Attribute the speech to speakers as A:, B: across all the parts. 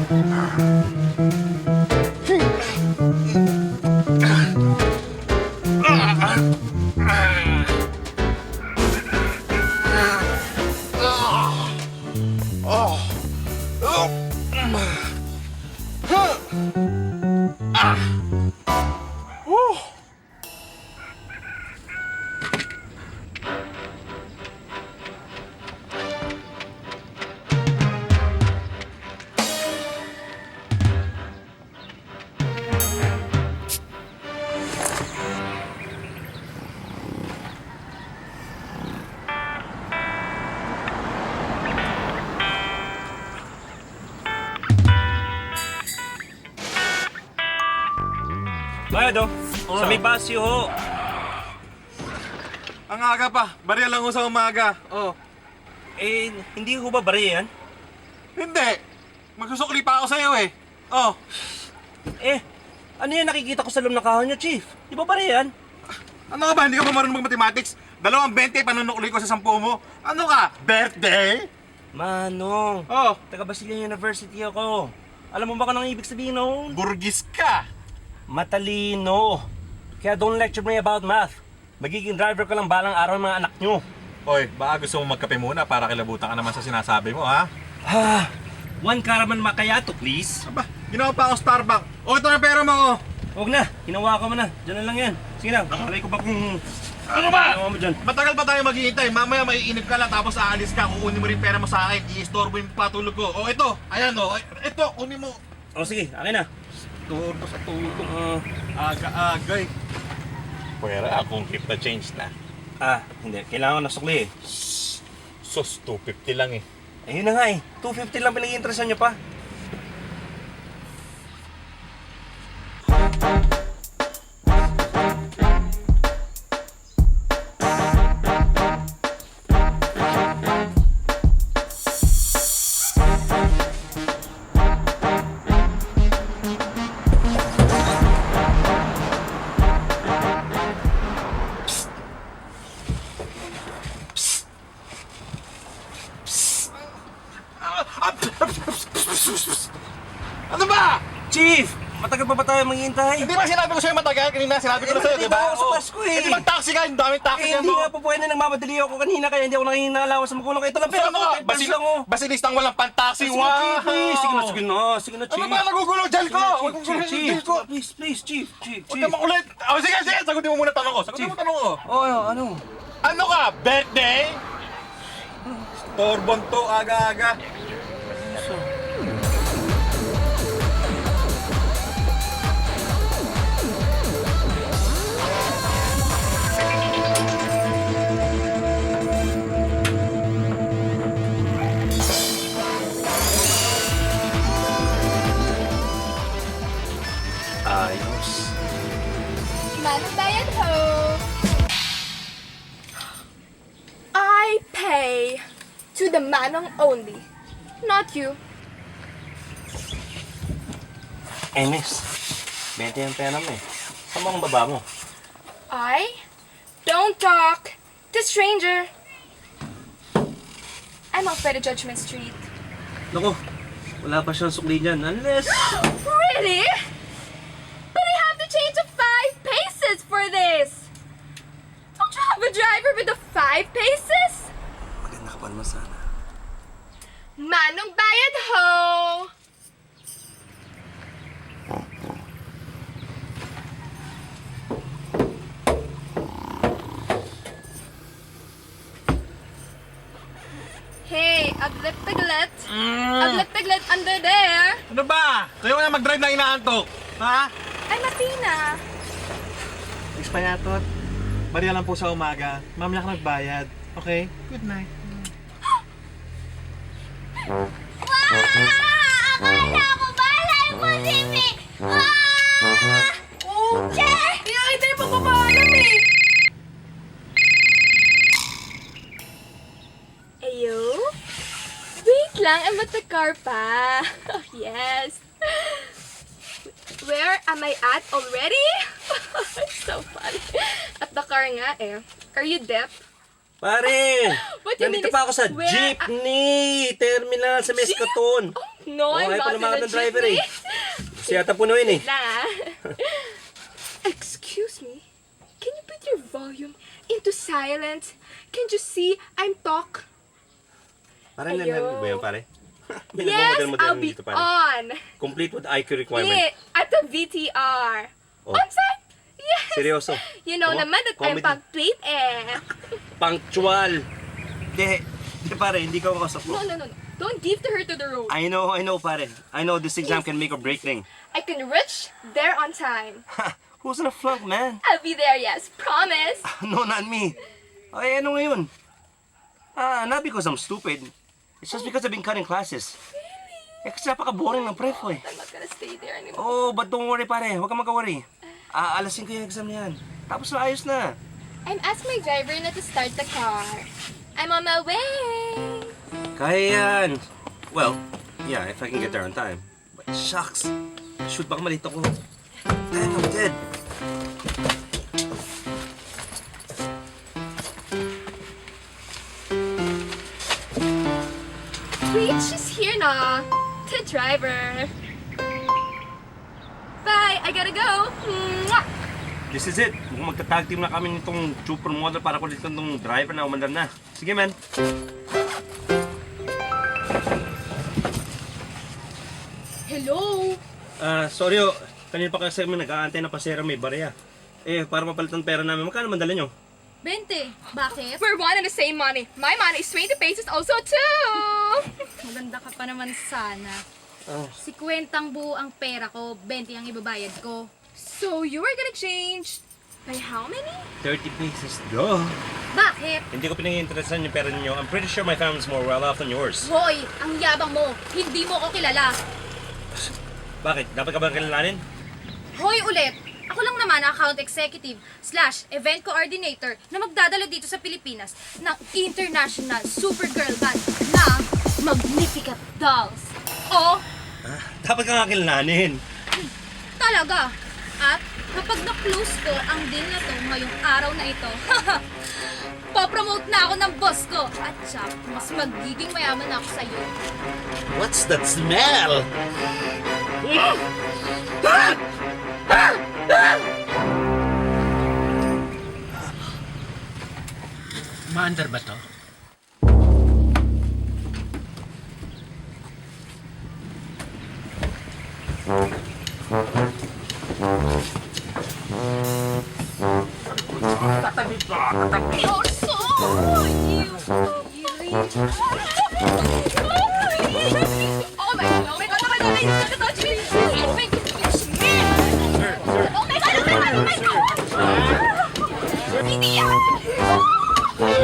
A: Bayad oh. Sa may basyo ho.
B: Ang aga pa. Barya lang ho sa umaga. Oh.
A: Eh, hindi ho ba bari yan?
B: Hindi. Magsusukli pa ako sa'yo eh. Oh.
A: Eh, ano yan nakikita ko sa loob ng kahon nyo, Chief? Di ba bari yan?
B: Ano ka ba? Hindi ka ba marunong mag-mathematics? 220 panunukli ko sa 10 mo. Ano ka? Birthday?
A: Manong,
B: Oh.
A: taga Basilan University ako. Alam mo ba kung anong ibig sabihin noon?
B: Burgis ka.
A: Matalino. Kaya don't lecture me about math. Magiging driver ko lang balang araw ng mga anak nyo.
B: Oy, baka gusto mo magkape muna para kilabutan ka naman sa sinasabi mo, ha?
A: Ha? One Caraman Macchiato, please.
B: Aba, ginawa pa ako Starbucks. O, ito na pera mo, oh.
A: Huwag na, hinawa ko mo na. Diyan na lang yan. Sige na, makalay ko ba kung...
B: Ano ba?
A: Ginawa mo dyan.
B: Matagal pa tayo maghihintay. Mamaya maiinip ka lang tapos aalis ka. Kukunin mo rin pera mo sa akin. I-istorbo yung patulog ko. O, ito. Ayan, o. Ito, kunin mo.
A: O sige, akin na.
B: Turbo sa tulog. Aga-agay. Pwera akong keep the change na.
A: Hindi. Kailangan ko na sukli eh.
B: Sos, 250 lang eh.
A: Ayun na nga eh. 250 lang pinag-iinteresan nyo pa.
B: Ano ba?
A: Chief! Matagal pa ba tayo maghihintay?
B: Hindi ba sinabi ko sa'yo matagal? Kanina sinabi ko na sa'yo, di ba?
A: Ako sa Pasko eh.
B: Hindi mag-taxi ka, yung daming taxi
A: Eh,
B: yan
A: hindi
B: mo.
A: nga po pwede nagmamadali ako kanina kaya hindi ako nanginalawa sa magulang ko. Ito lang pera
B: Ano
A: ko,
B: ka?
A: 10 pesos lang oh.
B: Basilistang walang pan-taxi,
A: Sige
B: wow!
A: na, Chief, please. Sige na, sige na. Sige na, Chief.
B: Ano ba? Nagugulo dyan ko! Huwag kong guluhin yung
A: Chief,
B: dyan ko!
A: please, please, Chief, Chief,
B: Huwag
A: Chief.
B: ka makulit! Oh, sige, sige! Sagutin mo muna tanong ko! Sagutin mo tanong ko!
A: Ano?
B: Ano ka? Birthday? Torbon to, aga-aga.
A: Ayos.
C: Manong bayad ho. I pay to the manong only, not you.
A: Eh, miss. 20 yung pera mo eh. Saan mo ang baba mo?
C: I don't talk to stranger. I'm off by the Judgment Street.
A: Naku, wala pa siyang sukli dyan. Unless...
C: Really? But I have to change to 5 paces for this. Don't you have a driver with the 5 paces?
A: Maganda ka pa naman sana.
C: Manong bayad ho. Hey, aglit piglet. Aglit piglet under there.
B: Ano ba? Kayo na mag-drive na inaantok. Ha?
C: Ay, Matina.
B: Expayatot. Bariya lang po sa umaga. Mamaya ka nagbayad. Okay? Good night.
C: Wow! Akala ko balay mo, Timmy! Ah! Uche! Pinakita yung pagpapalam eh! Ayo? Wait lang, I'm at the car pa. Oh, yes. Where am I at already? It's so funny. At the car nga eh. Are you deaf?
A: Pare!
C: What you mean
A: Nandito
C: is,
A: pa ako sa
C: where-
A: jeepney terminal sa Mescaton.
C: Oh, No, I'm
A: ay,
C: not in
A: palumakad
C: the
A: ng driver
C: jeepney.
A: Kasi yata punuin eh.
C: Nah. Excuse me. Can you put your volume into silent? Can't you see I'm talk?
A: Parang
C: Ayo.
A: nangyari ba yan, pare? May
C: Yes,
A: nagmamodel-model
C: I'll be
A: dito, pare.
C: on.
A: Complete with IQ requirement.
C: Yeah, at the VTR.
A: Oh.
C: On time? Yes.
A: Seryoso?
C: You know
A: Tama?
C: naman that I'm
A: Comedy.
C: pag-tweet eh.
A: Punctual. Hindi, pare, hindi ka makasok
C: No,
A: mo.
C: no, no, no. Don't give to her to the road.
A: I know, pare. I know this exam can make or break thing.
C: I can reach there on time.
A: Ha! Who's gonna flunk, man?
C: I'll be there, yes. Promise.
A: No, not me. Ay, ano ngayon? Not because I'm stupid. It's just because I've been cutting classes. Eh, kasi napaka-boring ng prep ko eh.
C: I'm not gonna stay there anymore.
A: Oh, but don't worry, pare. Huwag kang magka-worry. Alas 5 yung exam na yan. Tapos na, ayos na.
C: I'm asking my driver not to start the car. I'm on my way.
A: Kaya yan. Well, yeah, if I can get there on time. But shucks. Shoot, baka malito ko. Dang, I'm dead.
C: Wait, she's here na. The driver. Bye, I gotta go. Mwah!
A: This is it. Mukhang magta-tag team na kami nitong supermodel para kulit itong driver na umandar na. Sige, man.
C: Hello.
A: Sorry oh. Kanina pa kasi kami nag-aantay na pasera may barya. Eh, para mapalitan pera namin, magkano man dala nyo?
D: 20. Bakit?
C: We're one and the same money. My money is 20 pesos also too.
D: Maganda ka pa naman sana.
A: Ah.
D: 50 ang buo ang pera ko, 20 ang ibabayad ko.
C: So you were gonna change by how many?
A: 30 pesos. Duh.
D: Bakit?
A: Hindi ko pinag-iinteresan yung pera ninyo. I'm pretty sure my family's more well off than yours.
D: Hoy, ang yabang mo. Hindi mo ko kilala.
A: Bakit? Dapat ka bang kilalanin?
D: Hoy ulit. Ako lang naman ang account executive / event coordinator na magdadala dito sa Pilipinas ng International Supergirl Band na Magnificat Dolls. O,
A: Dapat ka nga kilalanin.
D: talaga. At kapag na-close ko ang deal na to ngayong araw na ito, popromote na ako ng boss ko. At siya, mas magiging mayaman ako sa'yo.
E: What's that smell?
F: Maandar ba to?
C: You're so Oh my god, oh my god, oh my god, he's gonna touch me! Oh my god, you smell! Oh my god, oh my god, oh my god! Hindi yan!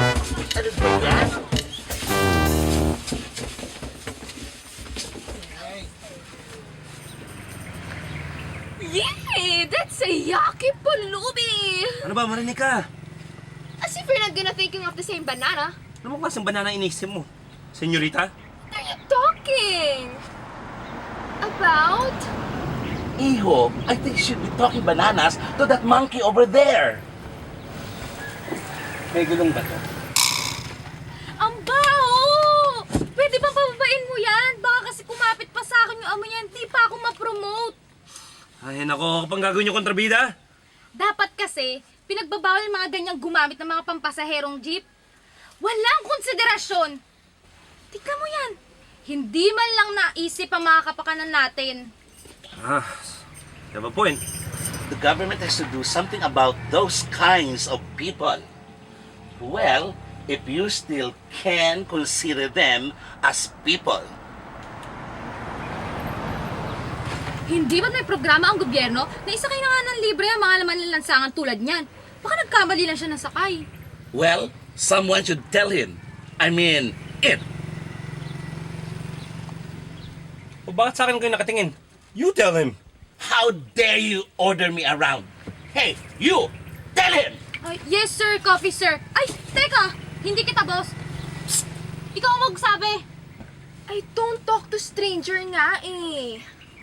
C: Yay! That's a yucky pulubi!
A: Ano ba, marinig ka?
C: As if we're not gonna thinking of the same banana.
A: Ano mo klaseng banana inisip mo? Senyorita?
C: What are you talking? About?
E: Iho, I think you should be talking bananas to that monkey over there.
A: May gulong ba to?
D: Ang baho! Pwede bang pababain mo yan? Baka kasi kumapit pa sa akin yung amoy yan, di pa ako ma-promote.
A: Ay, nako, kapag gagawin nyo kontrabida?
D: Dapat kasi, pinagbabawal yung mga ganyang gumamit ng mga pampasaherong jeep. Walang konsiderasyon. Tignan mo yan. Hindi man lang naisip ang mga kapakanan natin.
A: You have a point.
E: The government has to do something about those kinds of people. Well, if you still can consider them as people.
D: Hindi ba't may programa ang gobyerno na isakay na nga ng libre ang mga laman ng lansangan tulad niyan? Baka nagkamali lang siya ng sakay.
E: Well, someone should tell him. I mean, it.
A: O bakit sa akin kayo nakatingin? You tell him.
E: How dare you order me around? Hey, you! Tell him!
D: Ay, yes sir, coffee sir. Ay, teka! Hindi kita boss. Psst! Ikaw ang magsabi.
C: I don't talk to stranger nga eh.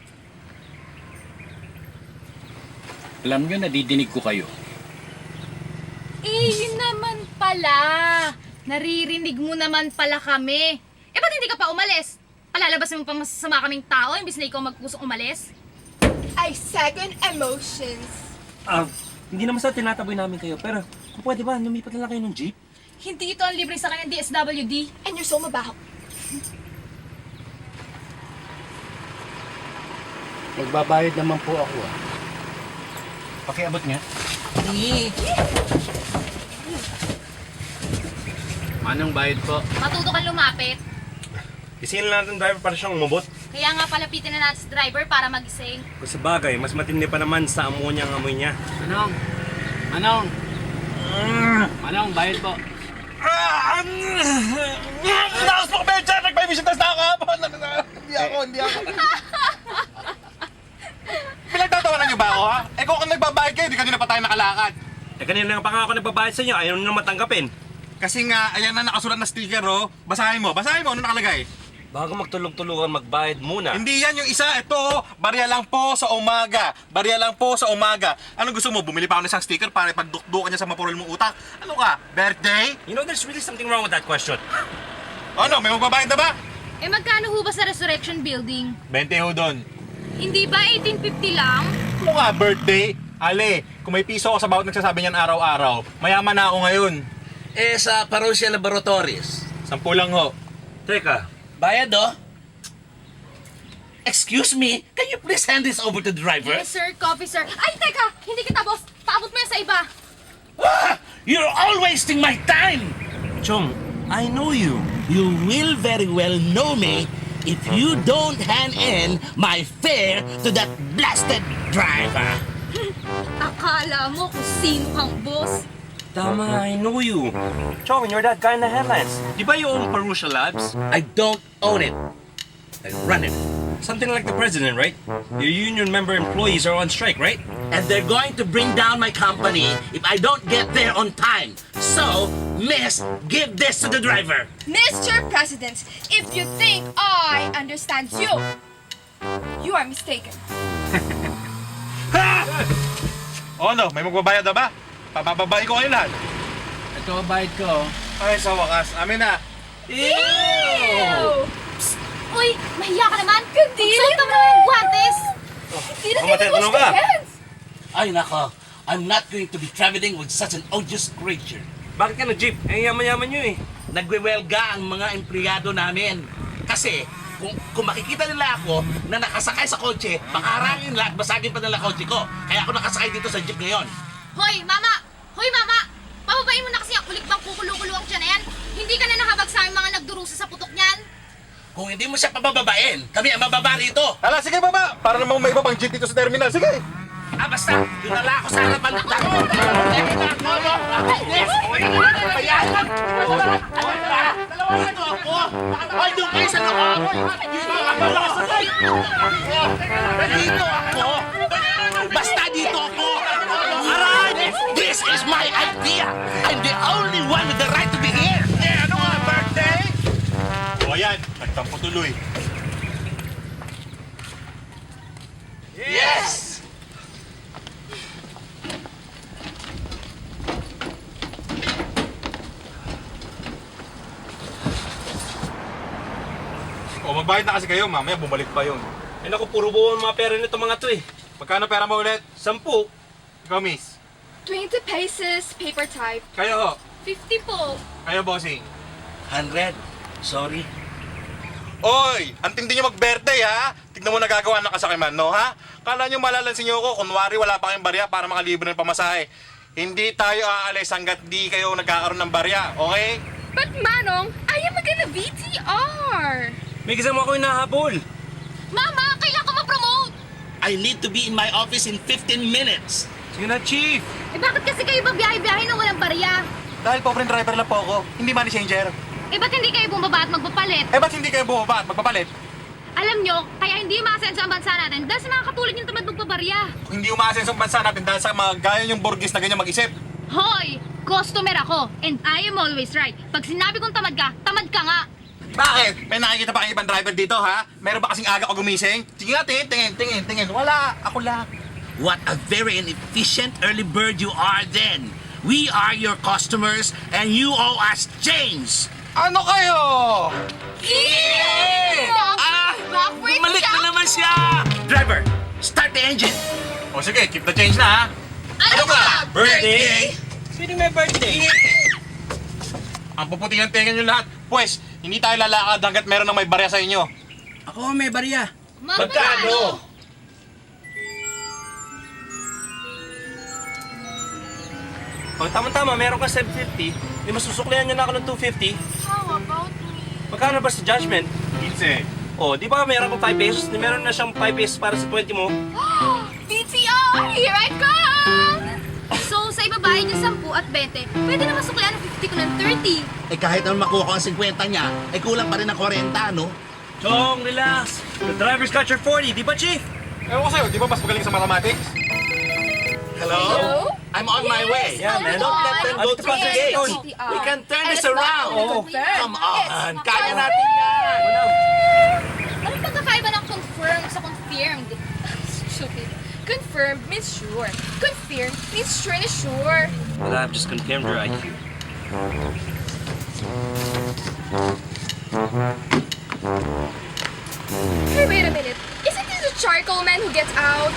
F: Alam nyo, nadidinig ko kayo.
D: Eh, yun naman pala. Naririnig mo naman pala kami. Eh, ba't hindi ka pa umalis? Palalabas mo pang masasama kaming tao, imbis na ikaw magpusong umalis?
C: I second emotions.
A: Hindi naman sa tinataboy namin kayo, pero kung pwede ba, lumipat na lang kayo ng jeep?
D: Hindi ito ang libre sa kanya DSWD.
C: And you're so mabaho.
F: Magbabayad naman po ako Pakiabot nga. Manong bayad po?
D: Matuto kang lumapit.
A: Isingin lang natin driver para siyang umabot.
D: Kaya nga palapitin na natin sa driver para magising.
A: Kung sa bagay, mas matindi pa naman sa amonya ang amoy niya.
F: Manong! Manong, bayad po.
B: Nakas mo kami dyan! Nagpabisita sa kahapon! Hindi ako. Pinagtatawanan niyo ba ako, ha? Eh kung nagbabayad kayo, di kanina pa tayo nakalakad.
A: Kanina lang pa nga ako nagbabayad sa inyo, ayaw nyo na matanggapin.
B: Kasi nga, ayan na nakasulat na sticker, oh. Basahin mo, ano nakalagay?
A: Bago magtulog-tulugan, magbayad muna.
B: Hindi yan yung isa, ito, barya lang po sa umaga. Ano gusto mo, bumili pa ako ng isang sticker para ipagdukdukan niya sa mapurol mong utak? Ano ka, birthday?
A: You know, there's really something wrong with that question.
B: Ano, may magbabayad na ba?
D: Eh magkano ho ba sa Resurrection Building?
B: 20 ho doon.
D: Hindi ba 1850 lang?
B: Ano nga, birthday? Ale, kung may piso ako sa bawat nagsasabi niyan araw-araw, mayaman na ako ngayon.
E: Eh, sa Parousia Laboratories.
B: 10 lang ho.
A: Teka,
E: Bayad, oh. Excuse me, can you please hand this over to the driver?
D: Yes sir, coffee sir. Ay teka, hindi kita boss. Paabot mo yan sa iba.
E: Ah, you're all wasting my time!
A: Chong, I know you.
E: You will very well know me if you don't hand in my fare to that blasted driver.
D: Akala mo kung sino kang boss.
A: Tama, I know you. Chong, you're that guy in the headlines. Di ba you own Parousia Labs?
E: I don't own it. I run it.
A: Something like the president, right? Your union member employees are on strike, right?
E: And they're going to bring down my company if I don't get there on time. So, miss, give this to the driver.
C: Mr. President, if you think I understand you, you are mistaken.
B: O ano, may magbabayad na ba? Pabababae ko kayo lahat.
F: Ito, bayad ko.
B: Ay, sa wakas, amin na.
C: Ew!
D: Uy, mahiya ka naman.
C: Hindi
D: Suot mo yung guantes.
C: Hindi na
A: Ako
C: din
A: matatanong
C: wash
A: ka.
C: their hands.
E: Ay, nako. I'm not going to be traveling with such an odious creature.
A: Bakit ka nag-jeep? Eh, yaman-yaman nyo eh.
E: Nagwewelga ang mga empleyado namin. Kasi, kung makikita nila ako na nakasakay sa kotse, baka harangin nila at basagin pa nila kotse ko. Kaya ako nakasakay dito sa jeep ngayon.
D: Hoy, mama! Hoy, mama! Pababain mo na kasi ang ulit bang kukulo-kulo ang tiyan na yan. Hindi ka na nakabag sa aming mga nagdurusa sa putok niyan.
E: Kung hindi mo siya pabababain, kami ang mababa rito.
B: Hala, sige baba, para namang may iba pang jeep dito sa terminal, sige.
E: Ah, basta, dinala ako sa harapan ng tao. Ay, doon kayo sa loob! Dito ako! Basta dito ako! Alright! This is my idea! I'm the only one with the right to be here!
B: Eh, ano nga, birthday? O ayan, nagtampo tuloy.
E: Yes!
B: O, magbayad na kasi kayo, mamaya bumalik pa yun.
A: Eh naku, puro buo ang mga pera nito mga to eh.
B: Magkano pera mo ulit?
A: 10.
B: Ikaw, miss.
C: 20 pesos, paper type.
B: Kayo ho.
D: 50 po.
B: Kayo, bossing.
E: 100. Sorry.
B: Oy, ang tindi nyo mag-birthday, ha? Tignan mo nagagawa ng kasakiman, no, ha? Kala nyo malalansin nyo ako, kunwari wala pa kayong barya para makalibre ng pamasahe. Hindi tayo aalis hanggat di kayo nagkakaroon ng barya, okay?
C: But Manong, I am gonna VTR.
A: May kasama ako hinahabol.
D: Mama, kailangan ko ma-promote.
E: I need to be in my office in 15 minutes.
A: Sige na, Chief.
D: Eh bakit kasi kayo babiyahe-biyahe nang walang barya?
B: Dahil pobreng driver lang po ako, hindi money changer.
D: Eh ba't hindi kayo bumaba at magpapalit?
B: Eh, ba't hindi kayo bumaba at magpapalit?
D: Alam nyo, kaya hindi umaasenso ang bansa natin dahil sa mga katulad yung tamad magpabarya.
B: Kung hindi umaasenso ang bansa natin dahil sa mga gaya yung burgis na ganyan mag-isip.
D: Hoy! Customer ako, and I am always right. Pag sinabi kong tamad ka nga.
B: Bakit? May nakikita pa kayong ibang driver dito, ha? Meron ba kasing aga ko gumising? Sige nga, tingin. Wala, ako lang.
E: What a very inefficient early bird you are then. We are your customers and you owe us change.
B: Ano kayo?
E: Yeah!
C: Freak
E: Bumalik
C: siya!
E: na naman siya! Driver, start the engine!
B: O sige, keep the change na ha.
C: Ano ba? Birthday?
A: Sino may birthday?
B: Ang puputi ng tenga nyo lahat. Pwes, hindi tayo lalakad hanggat meron ng may barya sa inyo.
F: Ako may barya.
C: Magkano?
A: Oh, tama-tama, meron ka 750. Hindi masusuklihan niyo na ako ng 250.
C: How about me?
A: Magkano ba sa judgment?
B: 15.
A: Oh, di ba meron kang 5 pesos? Meron na siyang 5 pesos para sa 20 mo.
C: BTR! Here I come!
D: So, sa ibabayad niya 10 at 20, pwede naman suklian ng 50 ko ng 30.
E: Eh kahit naman makuha ko ang 50 niya, eh kulang pa rin ang 40, no?
A: Chong, relax. The driver's got your 40, di ba, Chief?
B: Ewan ko sa'yo, di ba mas magaling sa mathematics?
E: Hello? I'm on my way.
A: Yeah, man.
E: Don't let them go
A: Dito pa
E: through the
A: sa
E: gates.
A: gate.
E: We can turn this
C: And it's not
E: around.
C: gonna confirm.
E: Come on,
C: It's
E: kaya natin yan.
C: Anong pagkakaiba ng confirm sa confirmed? Stupid. Confirmed means sure. Confirmed means sure na sure.
A: Well, I've just confirmed your IQ.
C: Hey, wait a minute. Isn't this the charcoal man who gets out?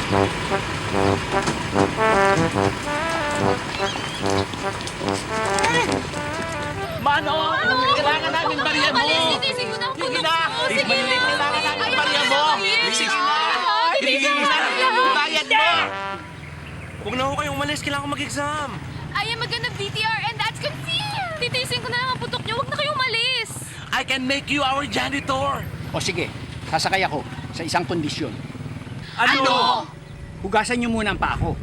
E: Manong, kailangan namin barya mo.
C: Titising mo na ang
E: Sige
C: putok
E: na.
C: ko. Sige na.
E: Kailangan namin
C: Ayaw
E: barya
C: na
E: mo.
C: sabihin.
E: Sige na. Ibigay mo na ang bayad mo.
A: Huwag na ako kayong umalis. Kailangan ko mag-exam.
C: I am a gonna BTR and that's confirmed. Titising ko na lang ang putok niyo. Huwag na kayo umalis.
E: I can make you our janitor.
F: O sige, sasakay ako sa isang kondisyon.
E: Ano?
F: Hugasan niyo muna ang paa ko.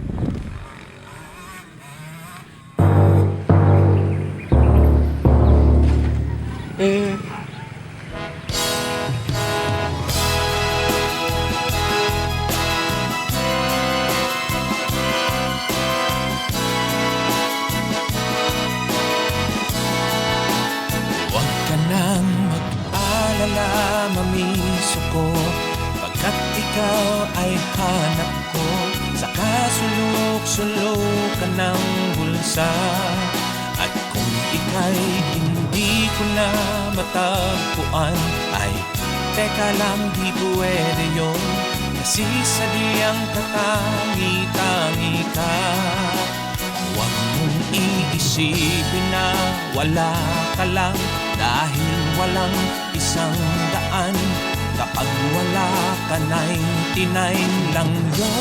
G: Huwag ka nang mag-alala, mamiso ko, pagkat ikaw ay hanap ko. Sa kasulok-sulok ka ng bulsa, at kung ika'y hindi ko na matagpuan, ay teka lang, di pwede yun, kasi sadyang katangi-tangi ka. Huwag mong iisipin na wala ka lang, dahil walang 100. Kapag wala ka, 99 lang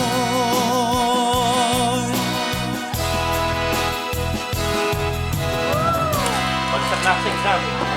G: yun.
A: Pag sa class exam,